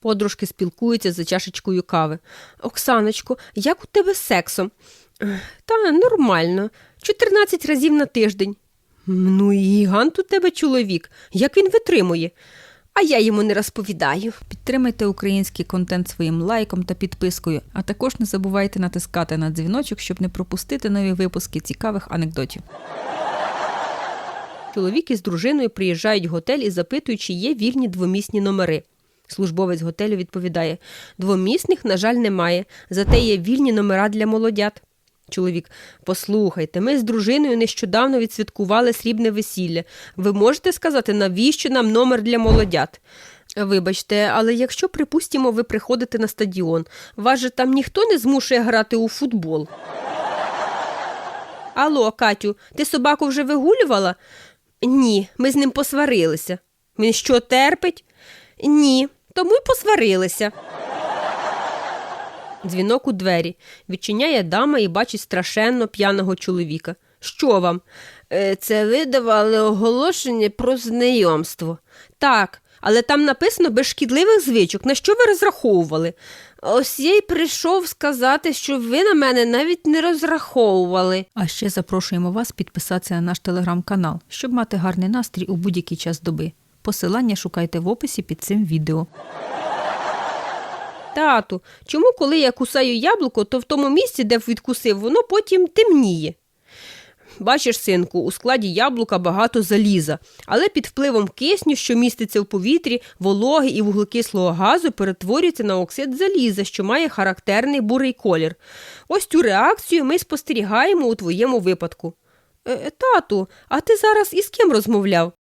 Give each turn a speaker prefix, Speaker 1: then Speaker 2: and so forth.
Speaker 1: Подружки спілкуються за чашечкою кави. «Оксаночко, як у тебе з сексом?» «Та нормально. 14 разів на тиждень». «Ну і гігант у тебе чоловік. Як він витримує?» «А я йому не розповідаю».
Speaker 2: Підтримайте український контент своїм лайком та підпискою, а також не забувайте натискати на дзвіночок, щоб не пропустити нові випуски цікавих анекдотів.
Speaker 1: Чоловік із дружиною приїжджають в готель і запитують, чи є вільні двомісні номери. Службовець готелю відповідає: «Двомісних, на жаль, немає, зате є вільні номера для молодят». Чоловік: «Послухайте, ми з дружиною нещодавно відсвяткували срібне весілля. Ви можете сказати, навіщо нам номер для молодят?» «Вибачте, але якщо, припустимо, ви приходите на стадіон, вас же там ніхто не змушує грати у футбол?» «Алло, Катю, ти собаку вже вигулювала?» «Ні, ми з ним посварилися». «Він що, терпить?» «Ні, тому й посварилися». Дзвінок у двері. Відчиняє дама і бачить страшенно п'яного чоловіка. «Що вам?» «Це ви давали оголошення про знайомство». «Так, але там написано без шкідливих звичок. На що ви розраховували?» «Ось я й прийшов сказати, що ви на мене навіть не розраховували».
Speaker 2: А ще запрошуємо вас підписатися на наш телеграм-канал, щоб мати гарний настрій у будь-який час доби. Посилання шукайте в описі під цим відео.
Speaker 1: «Тату, чому коли я кусаю яблуко, то в тому місці, де відкусив, воно потім темніє?» «Бачиш, синку, у складі яблука багато заліза, але під впливом кисню, що міститься в повітрі, вологи і вуглекислого газу перетворюється на оксид заліза, що має характерний бурий колір. Ось цю реакцію ми спостерігаємо у твоєму випадку». «Тату, а ти зараз із ким розмовляв?»